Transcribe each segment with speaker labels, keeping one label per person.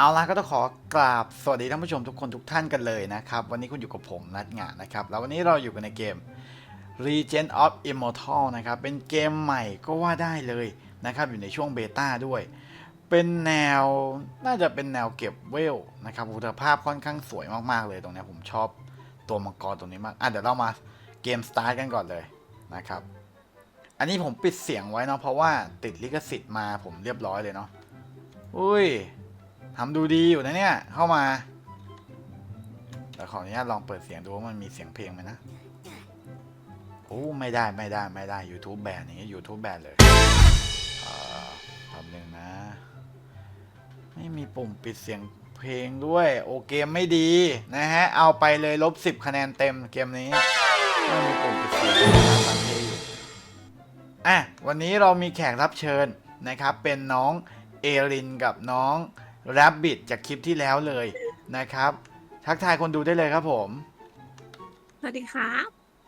Speaker 1: ล่ะก็ต้องขอกราบสวัสดีท่านผู้ชมทุกคนทุกท่านกันเลยนะครับวันนี้คุณอยู่กับผมนัทงานนะครับแล้ววันนี้เราอยู่กันในเกม Legend of Immortal นะครับเป็นเกมใหม่ก็ว่าได้เลยนะครับอยู่ในช่วงเบต้าด้วยเป็นแนวน่าจะเป็นแนวเก็บเวลนะครับคุณภาพค่อนข้างสวยมากๆเลยตรงนี้ผมชอบตัวมังกรตัวนี้มากเดี๋ยวเรามาเกมสตาร์ทกันก่อนเลยนะครับอันนี้ผมปิดเสียงไว้เนาะเพราะว่าติดลิขสิทธิ์มาผมเรียบร้อยเลยเนาะอุ้ยทำดูดีอยู่นะเนี่ยเข้ามาแต่ขออนุญาตลองเปิดเสียงดูว่ามันมีเสียงเพลงไหมนะโอ้ไม่ได้ YouTube แบนอย่างนี้ YouTube แบนเลยทำหนึ่งนะไม่มีปุ่มปิดเสียงเพลงด้วยโอเกมไม่ดีนะฮะเอาไปเลย-10 คะแนนเต็มเกมนี้ไม่มีปุ่มปิดเสียงฟังเพลงอยู่วันนี้เรามีแขกรับเชิญนะครับเป็นน้องเอรินกับน้องแรบบิทจากคลิปที่แล้วเลยนะครับทักทายคนดูได้เลยครับผม
Speaker 2: สวัสดีครับ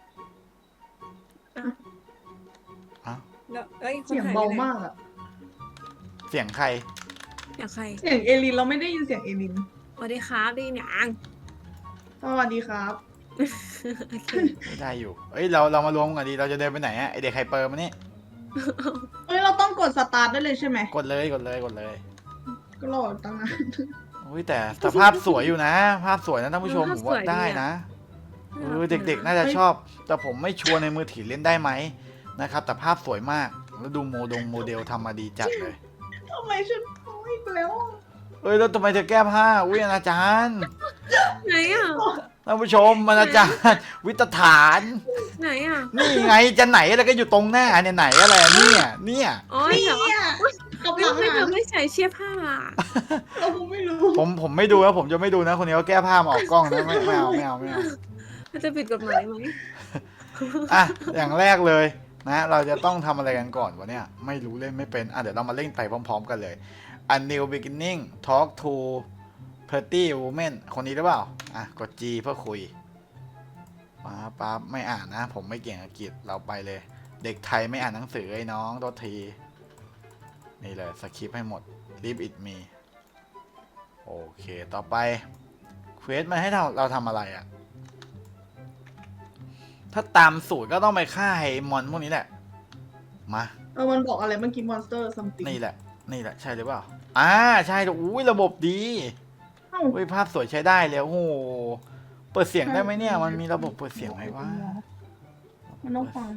Speaker 2: แล้ว
Speaker 3: เสียงเบามากอะ
Speaker 1: เสียงใคร
Speaker 2: อยากใคร
Speaker 3: เสียงเอลินเราไม่ได้ยินเสียงเอลิน
Speaker 2: สวัสดีครับดีหนัง
Speaker 3: สวัสดีครับ
Speaker 1: ไม่ได้อยู่เรามารวมกันดีเราจะเดินไปไหนไอเด็กไฮเปอร์มานี่
Speaker 3: เราต้องกดสตาร์ทได้เลยใช่ไหม
Speaker 1: กดเลย
Speaker 3: ก็รอตั้งนาน
Speaker 1: แต่สภาพสวยอยู่นะภาพสวยนะท่านผู้ชมผมว่าได้นะเด็กๆน่าจะชอบแต่ผมไม่ชัวร์ในมือถือเล่นได้ไหมนะครับแต่ภาพสวยมากแล้วดูโมเดลทำมาดีจัดเลย
Speaker 3: ทำไมฉันโอ้ยแล้ว
Speaker 1: แล้วทำไมเธอแก้ผ้าอนาจารย์
Speaker 2: ไหนอ่ะ
Speaker 1: ท่านผู้ชมอนาจารย์วิตฐาน
Speaker 2: ไหนอ่ะ
Speaker 1: นี่ไงจะไหนแล้วก็อยู่ตรงหน้าเนี่ยไหนอะไรเนี่ย
Speaker 2: อ๋อเหรอกับเราไม่ใส่เสื้อผ้า
Speaker 3: เราไม่รู้
Speaker 1: ผมไม่ดูแล้วผมจะไม่ดูนะคนนี้เขาแก้ผ้ามาออกกล้องนะไม่เอา
Speaker 2: จะผิดกฎหมายไหม
Speaker 1: อย่างแรกเลยนะเราจะต้องทำอะไรกันก่อนวะเนี่ยไม่รู้เล่นไม่เป็นเดี๋ยวเรามาเล่นไปพร้อมๆกันเลย A new beginning talk to pretty woman คนนี้หรือเปล่ากด G เพื่อคุยป๊าไม่อ่านนะผมไม่เก่งอังกฤษเราไปเลยเด็กไทยไม่อ่านหนังสือไอ้น้องโทษทีนี่เลยสคริปต์ให้หมด leave it me โอเคต่อไปเควสมันให้เราทำอะไรถ้าตามสูตรก็ต้องไปฆ่าไอ้มอนพวกนี้แหละมา
Speaker 3: มันบอกอะไรเมื่อกี้ monster something
Speaker 1: นี่แหละใช่หรือเปล่าใช่อุ้ยระบบดีภาพสวยใช้ได้แล้วโอ้โหเปิดเสียงได้ไหมเนี่ยมันมีระบบเปิดเสียงไหมวะ
Speaker 3: มันต้องฟัง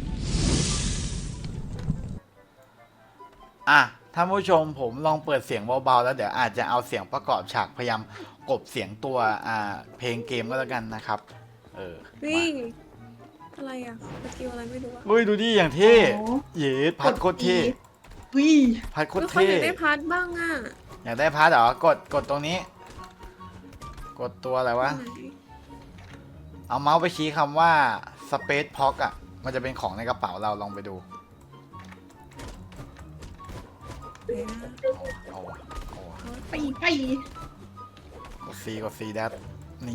Speaker 1: ท่านผู้ชมผมลองเปิดเสียงเบาๆแล้วเดี๋ยวอาจจะเอาเสียงประกอบฉากพยายามกบเสียงตัวเพลงเกมก็แล้วกันนะครับ
Speaker 2: นี่อะไรสกิลอะไรไม่รู้
Speaker 1: ดูดิอย่างเท่เย็ดพัดโคตรเท่พัดโคตรเท่
Speaker 2: อยากได้พัดบ้าง
Speaker 1: อยากได้พัดเหรอกดตรงนี้กดตัวอะไรวะเอาเมาส์ไปชี้คำว่า Space Pock มันจะเป็นของในกระเป๋าเราลองไปดู
Speaker 3: ไป
Speaker 1: กด C ดับนี่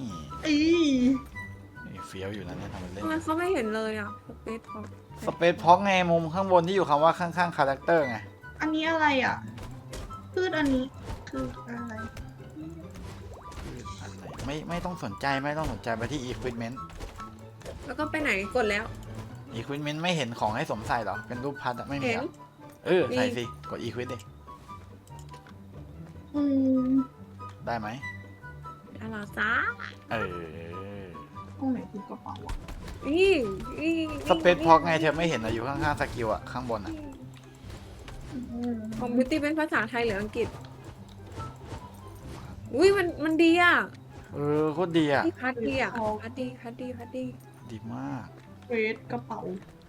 Speaker 1: เฟี้ยวอยู่นะเนี่ยทำมันเล่น
Speaker 2: เขาไม่เห็นเลย
Speaker 1: สเปซพ็อกไงมุมข้างบนที่อยู่คำว่าข้างๆคาแรคเตอร์ไง
Speaker 3: อันนี้อะไรพืชอันนี้คืออะไร
Speaker 1: ไม่ต้องสนใจไปที่ equipment
Speaker 2: แล้วก็ไปไหนกดแล้ว
Speaker 1: equipment ไม่เห็นของให้สวมใส่หรอเป็นรูปพัดไม่มีใส่สิกด equip ดิได้ไหม
Speaker 2: อะไรจ้า
Speaker 3: ตรงไหนคือกระเป๋า
Speaker 1: สเปซพ็อกไงเธอไม่เห็นอยู่ข้างๆสกิลข้างบน
Speaker 2: ของบิวตี้เป็นภาษาไทยหรืออังกฤษอุ้ยมันดี
Speaker 1: โคตรดี
Speaker 2: พัดดีพัดดี
Speaker 1: ดีมาก
Speaker 3: เวทกระเป๋า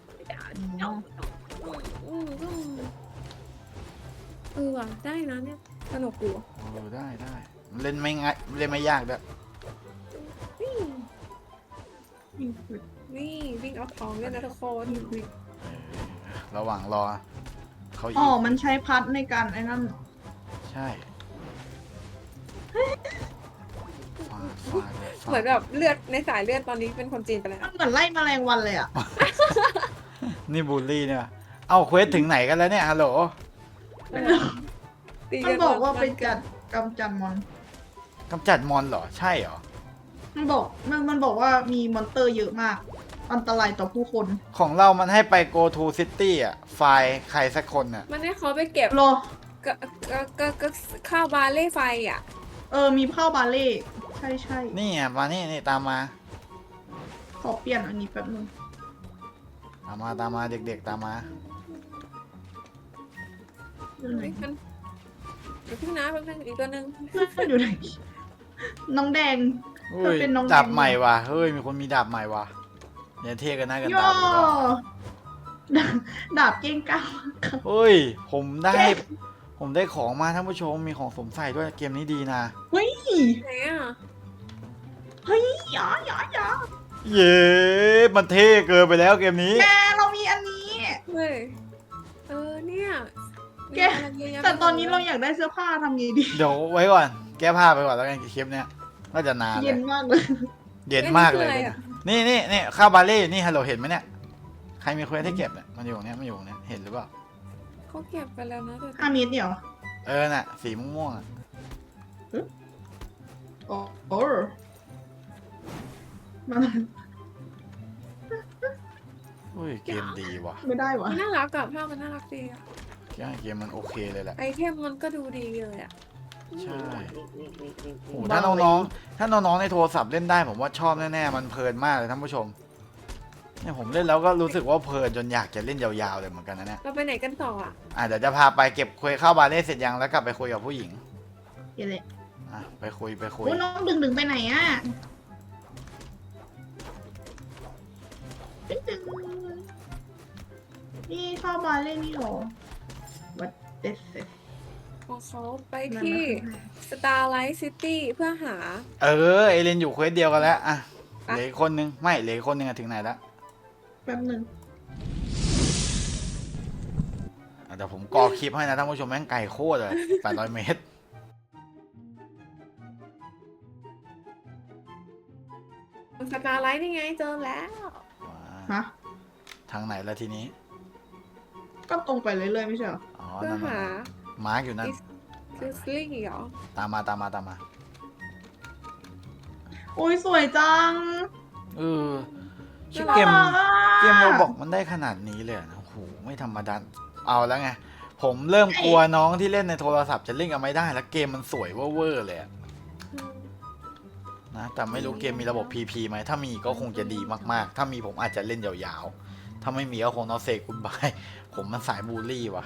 Speaker 2: ได้นะเนี่ยสนุกอยู่
Speaker 1: ได้เล่นไม่ง่ายเล่นไม่ยากด้วย
Speaker 2: นี่วิ่งเอาทองด้วยนะทุกคน
Speaker 1: ระหว่างรอเขา
Speaker 3: มันใช้พัดในการไอ้นั่น
Speaker 1: ใช่
Speaker 2: เหมือนแบบเลือดในสายเลือดตอนนี้เป็นคนจีนไปแล้ว
Speaker 3: มันเหมือนไล่แมลงวันเลย
Speaker 1: นี่บูลลี่เนี่ยเอาเควสถึงไหนกันแล้วเนี่ยฮัลโหล
Speaker 3: มันบอกว่าเป็นการกำจัดมอน
Speaker 1: กำจัดมอนเหรอ ใช่เหรอ
Speaker 3: มันบอกว่ามีมอนเตอร์เยอะมาก อันตรายต่อผู้คน
Speaker 1: ของเรามันให้ไป go to city อ่ะ ไฟล์ใครสักคนอ่ะ
Speaker 2: มันให้เขาไปเก็บ
Speaker 3: รอ
Speaker 2: ก็ข้าวบาเล่ไฟอ่ะ
Speaker 3: มีข้าวบาเล่ใช่ใช่
Speaker 1: นี่อ่ะ มานี่นี่ตามมา
Speaker 3: ขอเปลี่ยนอันนี้แป๊บนึง
Speaker 1: ตามมาตามมาเด็กๆตามมา
Speaker 3: อยู่ไหน
Speaker 2: เฮ้ยมันเดี๋ยวพึ่งนะแป๊บนึงอีกตัวหนึ่ง
Speaker 3: เพื่อนอยู่ไหน น้องแดง
Speaker 1: อุ้ย
Speaker 3: เธอเป็นน้อง
Speaker 1: ดาบ
Speaker 3: แดง
Speaker 1: ใหม่ว่ะ เฮ้ย มีคนมีดาบใหม่ว่ะเนี่ยเท่กันหน้ากัน
Speaker 3: ย่
Speaker 1: ตา
Speaker 3: อ
Speaker 1: ดูว่า
Speaker 3: ดาบเก้งก้าว
Speaker 1: เฮ้ย ผมได้ของมาท่านผู้ชม มีของสวมใส่ด้วย เกมนี้ดีนะ
Speaker 3: เฮ้ย
Speaker 2: ไหนอ่ะ
Speaker 3: เฮ้ยหยา
Speaker 1: เย้มันเท่เกินไปแล้วเกมนี้
Speaker 3: แกเรามีอันนี้
Speaker 2: เฮ้ยเนี่ย
Speaker 3: แก
Speaker 2: มีอะไรเยะแยะ
Speaker 3: แต่ตอนนี้เราอยากได้เสื้อผ้าทำไงดี
Speaker 1: เดี๋ยวไว้ก่อน แก้ผ้าไปก่อนแล้วกันคลิปเนี้ยน่าจะนานเล
Speaker 3: เย็
Speaker 1: ย
Speaker 3: นมากเลย
Speaker 1: เย็นมากเลย
Speaker 2: นี่คืออะไรอะ
Speaker 1: นี่ข้าวบาเล่อยู่นี่ฮัลโหลเห็นไหมเนี่ย ใครมีเควสให้เก็บเนี่ย มันอยู่ตรงเนี้ยมันอยู่ตรงเนี้ยเห็นหรือเปล่า
Speaker 2: เขาเก็บไปแล้วนะแต่
Speaker 3: 5 เมตรเดียว
Speaker 1: น่ะ สีม่วงๆอ่ะ
Speaker 3: โอ้มา
Speaker 1: อุ้ยเกมดีว่ะ
Speaker 3: ไม่ได้วะ
Speaker 2: มันน่ารักกับภาพมันน่ารักดีอ่ะ
Speaker 1: เกมมันโอเคเลยแหละ
Speaker 2: ไอเทมมันก็ดูดีเลยอ่ะ
Speaker 1: ใช่โอ้ถ้าน้องๆในโทรศัพท์เล่นได้ผมว่าชอบแน่ๆมันเพลินมากเลยท่านผู้ชมเนี่ยผมเล่นแล้วก็รู้สึกว่าเพลินจนอยากจะเล่นยาวๆเลยเหมือนกันนะเนี่ย
Speaker 2: เราไปไหนกันต่ออ่ะ
Speaker 1: เดี๋ยวจะพาไปเก็บคุยข้าวบาเล่เสร็จยังแล้วกลับไปคุยกับผู้หญิง
Speaker 3: เดี๋ยวเลย
Speaker 1: ไปคุย
Speaker 3: โอ้น้องดึงไปไหนอ่ะดึงนี่เข้ามาเล่นนี่หรอ What this is
Speaker 2: ของเขาไปที่ Starlight City เพื่อหา
Speaker 1: เอเลนอยู่เควสเดียวกันแล้วอ่ะ
Speaker 2: อ่ะ
Speaker 1: เหลืออกคนนึงไม่เหลืออกคนนึงอะถึงไหนแล้ว
Speaker 3: แป๊บนึง
Speaker 1: เดี๋ยวผมกอคลิปให้นะท่านผู้ชมแม่งไกลโคตรเลย800 เมตร
Speaker 2: สตาร์ไลท์นี่ไงเจอแล้ว
Speaker 3: ฮะ
Speaker 1: ทางไหนละทีนี้
Speaker 3: ก็ตรงไปเรื่อยๆไม่ใช่เหรอ
Speaker 1: อ๋อ
Speaker 2: เพื่อ
Speaker 1: นั่น
Speaker 2: หา
Speaker 1: มาร์กอยู่นั่น
Speaker 2: คิสลี่เหรอ
Speaker 1: ตามมา
Speaker 3: โอ้ยสวยจัง
Speaker 1: ชื่อ
Speaker 3: น่า
Speaker 1: เกม
Speaker 3: รักอะ
Speaker 1: เกมเราบอกมันได้ขนาดนี้เลยเหรอโอ้โหไม่ธรรมดาเอาแล้วไง ผมเริ่มกลัวน้องที่เล่นในโทรศัพท์จะเล่นกันไม่ได้ แล้วเกมมันสวยเวอร์เลยอะนะแต่ไม่รู้เกมมีระบบ PP ไหมถ้ามีก็คงจะดีมากๆ ถ้ามีผมอาจจะเล่นยาวๆ ถ้าไม่มีก็คงต้องเซกุนบาย ผมมันสายบูลลี่ว่ะ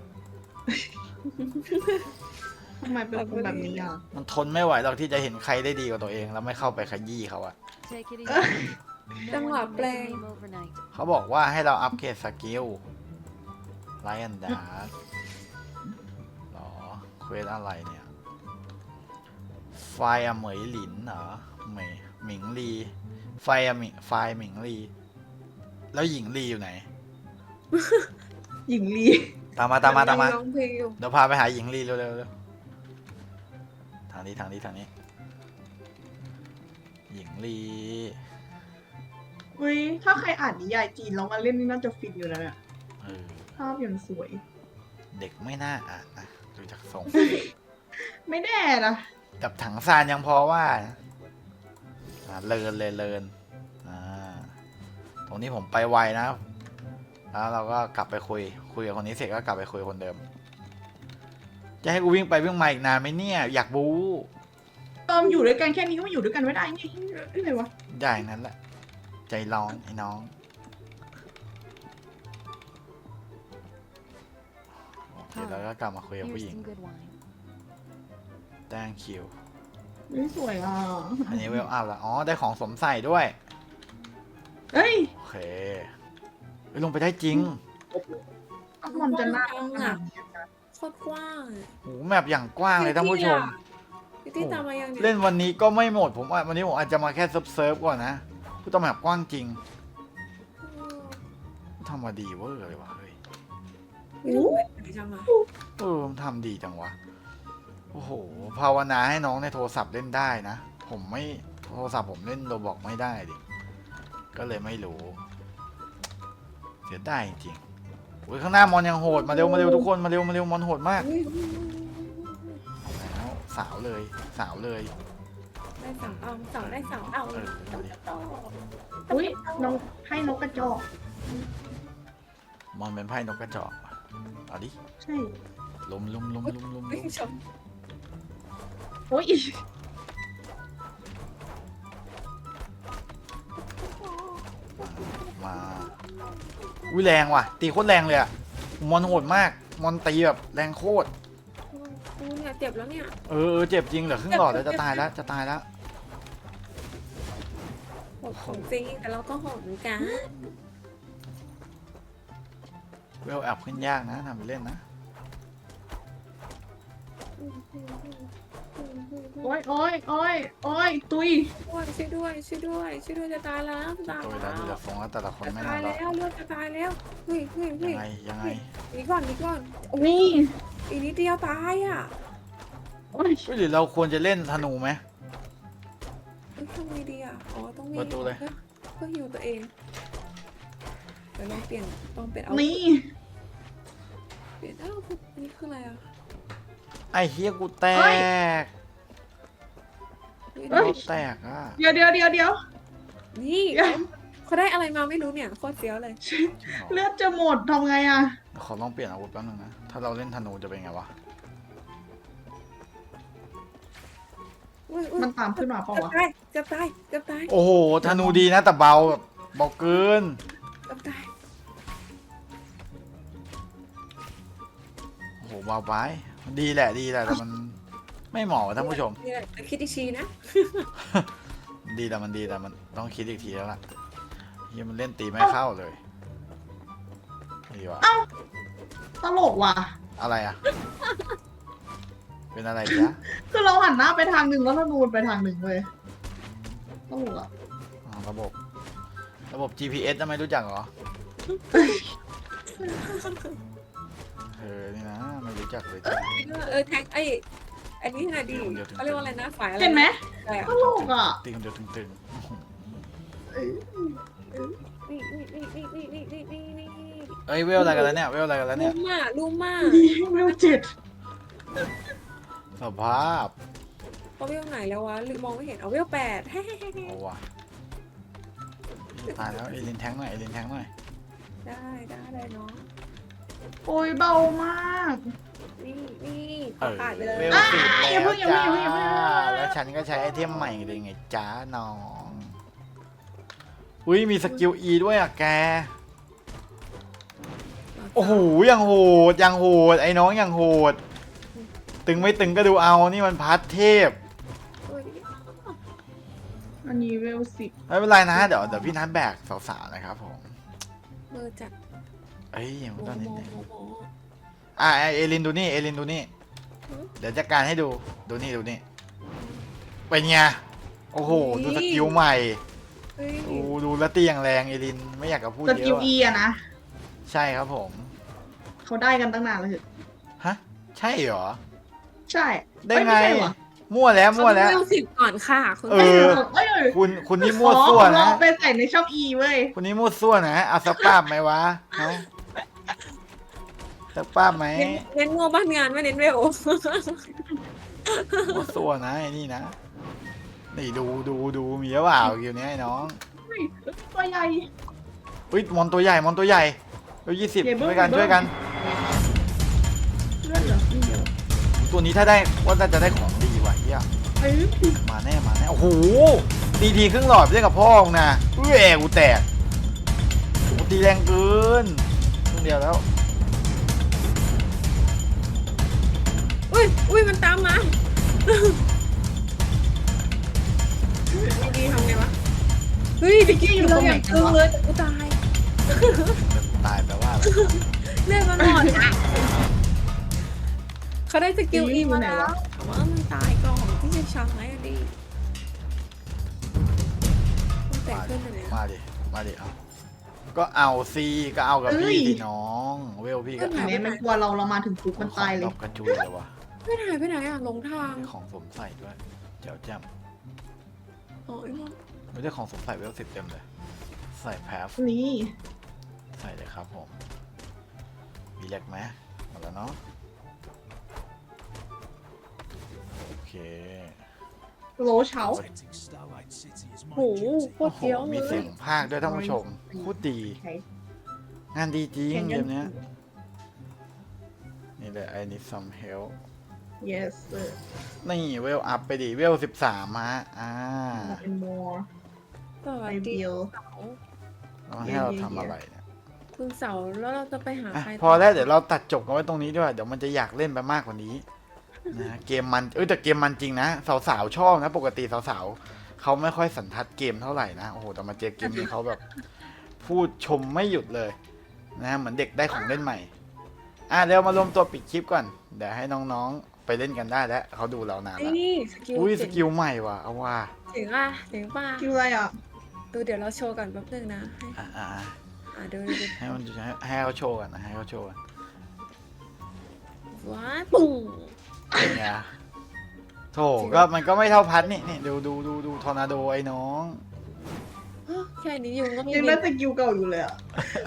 Speaker 3: ทำไมเป็นคนแบบนี้อ่ะ
Speaker 1: มันทนไม่ไหวหรอกที่จะเห็นใครได้ดีกว่าตัวเอง แล้วไม่เข้าไปขยี้เขาอะ
Speaker 4: Take it easy. No
Speaker 2: Tama,
Speaker 4: one can make
Speaker 2: play.
Speaker 4: a name overnight.
Speaker 1: เขาบอกว่าให้เราอัปเกรดสกิลไลออนดาร์หรอเควสอะไรเนี่ย ไฟอะเหมยหลินเหรอหมิงลี ไฟอะไฟหมิงลี แล้วหญิงลีอยู่ไหน
Speaker 3: หญิงลี
Speaker 1: ตามมา
Speaker 2: ร้องเพลงอยู่
Speaker 1: เดี๋ยวพาไปหาหญิงลีเร็วทางนี้หญิงลี
Speaker 3: อุ้ยถ้าใครอ่านนิยายจีนแล้วมาเล่นนี่น่าจะฟินอยู่นะเนี่ย
Speaker 1: เออ
Speaker 3: ภาพอย่างสวย
Speaker 1: เด็กไม่น่าอ่านนะดูจากทรง
Speaker 3: ไม่แน่นะ
Speaker 1: กับถังซานยังพอว่าเลินตรงนี้ผมไปไวนะ แล้วเราก็กลับไปคุยกับคนนี้เสร็จก็กลับไปคุยกับคนเดิม จะให้กูวิ่งไปวิ่งมาอีกนานไหมเนี่ย อยากบู๊
Speaker 3: อยู่ด้วยกันแค่นี้ก็ไม่อยู่ด้วยกันไม่ได้ไงอะไรวะ
Speaker 1: อย่างนั้นแหละ ใจร้อนไอ้น้อง โอเคแล้วก็กลับมาคุยกับ
Speaker 4: Here's
Speaker 1: ผู้หญิง
Speaker 4: some good wine.
Speaker 1: thank you
Speaker 3: นี่สวยอ่ะ
Speaker 1: อันนี้เวลอัพแล้วอ๋อ ได้ของสวมใส่ด้วย
Speaker 3: เฮ้ย
Speaker 1: โอเคลงไปได้จริง
Speaker 3: มันจะน่า
Speaker 2: โคตรกว้าง
Speaker 1: โหแมปอย่างกว้างเลยท่านผู้ชม
Speaker 2: พี่ที่ตามมายังเนี่ย
Speaker 1: เล่นวันนี้ก็ไม่หมดผมว่าวันนี้ผมอาจจะมาแค่เซิร์ฟก่อนนะผู้ต้องแบบกว้างจริงทำมาดีเวอร์เลยวะเฮ้ย
Speaker 2: ไม่รู้ไปไหนจังอ่ะ
Speaker 1: มันทำดีจังวะโอ้โหภาวนาให้น้องในโทรศัพท์เล่นได้นะผมไม่โทรศัพท์ผมเล่นโรบอกไม่ได้ดิก็เลยไม่รู้เสียดายจริงๆโอ้ยข้างหน้ามอนยังโหดมาเร็วทุกคนมาเร็วมอนโหดมาก
Speaker 2: อุ๊ย
Speaker 1: แล้วสาวเลยสาวเลย
Speaker 2: ได้สาวเอาสาวได้สาวเอา
Speaker 1: เออดูดิ
Speaker 3: อุ้ยนกให้นกกระจอก
Speaker 1: มอนเป็นไพ่นกกระจอกว่ะเอาดิ
Speaker 3: ใช่
Speaker 1: ลุมลุมลุมลุมลุม
Speaker 2: ไม่
Speaker 1: ลุม
Speaker 2: ชม
Speaker 3: โอ้ย
Speaker 1: มาอุ้ยแรงว่ะ ตีโคตรแรงเลยอะมอนโหดมากมอนตีแบบแรงโคตร
Speaker 2: กูเนี่ยเจ็บแล้วเนี่ย
Speaker 1: เออเจ็บจริงเหลือครึ่งหลอดแล้วจะตายแล้วจะตายแล้ว
Speaker 2: โหดของจริงแต่เราก็โหดเหมือนกัน
Speaker 1: เวลแอบขึ้นยากนะทำไปเล่นนะ
Speaker 3: โอ้ยโอ้ยโอ้ยโอ้ยตุย
Speaker 2: ช่วยด้วยช่วยด้วยช่วยด้วยจะตายแล้วจะตาย
Speaker 1: ตัวเว
Speaker 2: แล้
Speaker 1: ลาว ดูจากทรงแล้วแต่ละคน
Speaker 2: จะ
Speaker 1: ไม่
Speaker 2: ตา
Speaker 1: น่าย รอด
Speaker 2: แล้วเลือดจะตายแล้วเฮ้ยเฮ้ย
Speaker 1: ยั
Speaker 2: เฮ้ย
Speaker 1: งไงยังไง
Speaker 2: หนีก่อนหนีก่อนโอ้ย
Speaker 3: นี่
Speaker 2: อีกนิดเดียวตายอ่ะ
Speaker 3: โอ้ย
Speaker 1: หรือเราควรจะเล่นธนูไหม
Speaker 2: เอ้ยทำไงดีอ่ะอ๋อต้องมี
Speaker 1: ประตูเลย
Speaker 2: เพื่อฮิวตัวเองเดี๋ยวลองเปลี่ยนเอา
Speaker 3: นี่
Speaker 2: เปลี่ยนอ้าวนี่คืออะไรอ่ะ
Speaker 1: ไอ้เฮียกูแตก
Speaker 2: เฮ้ย
Speaker 1: เราแตกอ่ะ
Speaker 3: เดี๋ยวเดี๋ยวเดี๋ยวเดี๋ยว
Speaker 2: นี่เขาได้อะไรมาไม่รู้เนี่ยโคตรเฟี้ยวเลย
Speaker 3: เลือดจะหมดทำไงอะ
Speaker 1: ขอลองเปลี่ยนอาวุธแป๊บนึงนะถ้าเราเล่นธนูจะเป็นไงวะ
Speaker 2: อุ๊ยอุ๊ย
Speaker 3: มันตามขึ้นมาเปล่าวะ
Speaker 2: จะตายจะตาย
Speaker 1: โอ้โหธนูดีนะแต่เบาแบบเบาเกิน
Speaker 2: จะตาย
Speaker 1: โอ้โหเบาไปดีแหละดีแหละแต่มันไม่เหมาะกับท่านผู้ชม
Speaker 2: นี่แหละคิดอีกทีนะ
Speaker 1: ดีแต่มันดีแต่มันต้องคิดอีกทีแล้วล่ะเฮียมันเล่นตีไม่เข้าเลยดีวะ
Speaker 3: ตลกว่ะ
Speaker 1: อะไรอ่ะ เป็นอะไรจ๊ะ
Speaker 3: คือเราหันหน้าไปทางหนึ่งแล้วธนูนไปทางหนึ่งเลยตลกอะ
Speaker 1: อ๋อระบบ GPS จะไม่รู้จักเหรอนี่นะไม่รู้จักเลยจ้ะ
Speaker 2: แท็กอันนี้น่ะดีเขาเรียกว่าอะไรนะฝ่ายอะไร
Speaker 3: เห็นไหม
Speaker 2: อะไรอ่ะ
Speaker 3: ตลกอะ
Speaker 1: ตีคนเดียวตึง
Speaker 2: นี่นี่
Speaker 1: ๆเอ้ยเวลอะไรกันแล้วเนี่ยเวลอะไรกันแล้ว
Speaker 2: ลู
Speaker 1: เนี่ย
Speaker 2: ลูมาก
Speaker 3: ดีไม่ว่าเจ็ด
Speaker 1: สภาพ
Speaker 2: เขาเวลไหนแล้ววะหรือมองไม่เห็นเอาเวล8
Speaker 1: เอาว่ะตายแล้วเอลินแทงหน่อยเอลินแทงหน่อย
Speaker 2: ได้เนาะ
Speaker 3: โอ้ยเบามาก
Speaker 2: นี่ข
Speaker 1: เอ
Speaker 2: อ
Speaker 1: อ
Speaker 2: ขาดไปเลย
Speaker 1: เวล 10แล้ว
Speaker 3: อย่าเพิ่ง
Speaker 1: จ้า
Speaker 3: อย่าเพิ่ง
Speaker 1: แล้วฉันก็ใช้ไอเทมใหม่เลยไงจ้าน้องอุ้ยมีสกิล E ด้วยอ่ะแกโอ้โหยังโหดยังโหดไอ้น้องยังโหดตึงไม่ตึงก็ดูเอานี่มันพัดเทพ
Speaker 3: อันนี้เวล10
Speaker 1: ไม่เป็นไรนะเดี๋ยวพี่นัทแบกสาวๆนะครับผม
Speaker 2: มือจัด
Speaker 1: เอ้ยยัง
Speaker 2: โม
Speaker 1: ตอนนี้
Speaker 2: โม
Speaker 1: เนี่ย
Speaker 2: โมโม
Speaker 1: เอลินดูนี่เอลินดูนี่
Speaker 2: หือ
Speaker 1: เดี๋ยวจัดการให้ดูดูนี่เป็นไงโอ้โหดูสกิลใหม่
Speaker 2: เฮ้ย
Speaker 1: ดูแล้วตีอย่างแรงเอลินไม่อยากจะพูด
Speaker 3: ส
Speaker 1: เย
Speaker 3: กิล
Speaker 1: อะ
Speaker 3: E อะนะ
Speaker 1: ใช่ครับผม
Speaker 3: เขาได้กันตั้งนานแล้วเหรอ
Speaker 1: ฮะใช่เหรอ
Speaker 3: ใช่
Speaker 1: ได้ไง
Speaker 3: ม่ใช่วะ
Speaker 1: มั่วแล้วมั่วแล้ว
Speaker 2: เขาเวล10ก่อนค่ะคุณ
Speaker 1: เอ
Speaker 3: เอ้ย
Speaker 1: อ
Speaker 3: เอ้ย
Speaker 1: คุณนี่มั่วซั่ว
Speaker 3: เรา
Speaker 1: นะ
Speaker 3: เอาไปใส่ในช่อง E เว้ย
Speaker 1: คุณนี่มั่วซั่วนะเอาสักป้าบไหมวะฮะสักป้าบไหม
Speaker 2: เน้นโมบ้านงานไม่เน้นเวล
Speaker 1: มั่วซั่วนะไอ้นี่นะนี่ดูมีหรือเปล่าคิวนี้ไอ้น้อง
Speaker 3: เฮ้ยตัวใหญ่
Speaker 1: อุ้ยมอนตัวใหญ่มอนตัวใหญ่เร็ว20
Speaker 3: ใหญ่เบิ้ม
Speaker 1: ช่วยกัน
Speaker 3: ใหญ่เบิ้ม
Speaker 1: ช่วยกัน
Speaker 3: เลือดเหลือนิดเดียว
Speaker 1: ตัวนี้ถ้าได้ว่าน่าจะได้ของดีว่ะเฮีย
Speaker 3: เอ้ย
Speaker 1: มาแน่โอ้โหตีทีครึ่งหลอดเรียกกับพ่อมึงนะกูแตกโอ้ตีแรงเกินครึ่งเดียวแล้ว
Speaker 2: อุ้ยมันตามมาดีทำไงวะเฮ้ยตะกี้อยู่ตรงไหนตึงเลยแต่กูตาย
Speaker 1: ตายแปลว่าอะไร
Speaker 2: เลือดมันหมดอ่ะเขาได้สกิลอีมาแล้วแต่ว่ามันตายก่อนที่จะช็อตไหมอะดิมันแตกขึ้นเลย
Speaker 1: มาดิเอาก็เอาซีก็เอากับพี่ดิน้องเวลพี่ก็
Speaker 3: เห็นไหมมันกลัวเรามาถึงปุ๊บมันตายเลย
Speaker 1: ของกระจุยเลยวะ
Speaker 2: ไม่หายไปไหนอ่ะหลงทาง
Speaker 1: มีของสวมใส่ด้วยเจ้าแจ่ม
Speaker 2: โอ้ยมัน
Speaker 1: ไม่ได้ของสวมใส่เวล10เต็มเลยใส่แพฟ
Speaker 3: นี่
Speaker 1: ใส่เลยครับผมมีแลกไหมหมดแล้วเนาะโอเค
Speaker 3: โลเฉา
Speaker 2: โหโคตรเฟี้ยว
Speaker 1: มี
Speaker 2: เล
Speaker 1: เสี
Speaker 2: ย
Speaker 1: ยงภาคด้วยท่านผู้ชมพูดดี
Speaker 3: ใช่
Speaker 1: งานดีจริงเกมเนี้ยนี่เลย I need some help
Speaker 3: yes sir
Speaker 1: นี่เวลอัพไปดิเวล13ฮะ
Speaker 3: เป็น more
Speaker 2: สวั
Speaker 3: I
Speaker 2: สดี
Speaker 3: will
Speaker 1: เราให้เราทำอะไรเนี่ย
Speaker 2: คุณเสาแล้วเราจะไปหา
Speaker 1: อ่ะ
Speaker 2: ใคร
Speaker 1: พอแล้วเดี๋ยวเราตัดจบกันไว้ตรงนี้ด้วยเดี๋ยวมันจะอยากเล่นไปมากกว่านี้นะเกมมันแต่เกมมันจริงนะสาวๆชอบนะปกติสาวๆเขาไม่ค่อยสันทัดเกมเท่าไหร่นะโอ้โหแต่มาเจอเกมนี้เขาแบบ พูดชมไม่หยุดเลยนะเหมือนเด็กได้ของเล่นใหม่เดี๋ยวมารวมตัวปิดคลิปก่อนเดี๋ยวให้น้องๆไปเล่นกันได้แล้วเขาดูเรานานแล้ว
Speaker 2: นี่สกิล
Speaker 1: อุ้ยส
Speaker 2: เจ๋ง
Speaker 1: กิลใหม่ว่ะเอาว่า
Speaker 2: เจ๋งป่ะเจ๋งป่ะ
Speaker 3: คิวอะไรอ่ะ
Speaker 2: ดูเดี๋ยวเราโชว์กันแป๊บนึงนะให้
Speaker 1: อ่า
Speaker 2: ดู
Speaker 1: ให้มันให้เขาโชว์กันนะให้เขาโชว์กัน
Speaker 2: ว้าปุ่ง
Speaker 1: เป็นไงโถก็มันก็ไม่เท่าพัดนี่ดูทอร์นาโดไอ้น้อง
Speaker 2: แค่นี้ยุงก็ไม่
Speaker 3: ยัง
Speaker 2: มี
Speaker 3: ได้สกิลเก่าอยู่เลยอ่ะ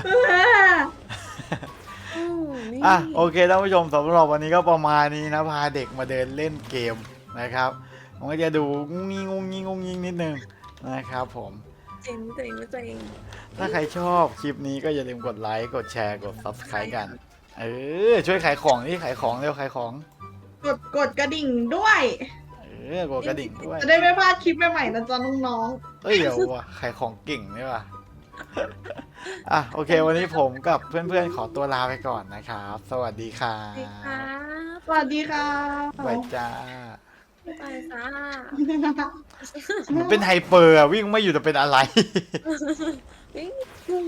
Speaker 2: นี่
Speaker 1: โอเคท่านผู้ชมสำหรับวันนี้ก็ประมาณนี้นะพาเด็กมาเดินเล่นเกมนะครับมันก็จะดูงุ้งงิ้งนิดนึงนะครับผม
Speaker 2: เจ๋งเจ๋งเจ๋ง
Speaker 1: ถ้าใครชอบคลิปนี้ก็อย่าลืมกดไลค์กดแชร์กด subscribe กันช่วยขายของนี่ขายของเร็วขายของ
Speaker 3: กดกระดิ่งด้วย
Speaker 1: กดกระดิ่งด้วย
Speaker 3: จะได้ไม่พลาดคลิปใหม่ๆนะจ๊ะน้อง
Speaker 1: เดี๋ยวว่ะขายของเก่งนี่ว่ะโอเค วันนี้ผมกับเพื่อนๆขอตัวลาไปก่อนนะครับ สวัสดีครั
Speaker 2: สวัสดีครับ
Speaker 3: ๆ สวัสดีค่ะ
Speaker 1: บายจ้า
Speaker 2: ไปจ้า
Speaker 1: มันเป็นไฮเปอร์วิ่งไม่อยู่แต่เป็นอะไร
Speaker 2: วิ่ง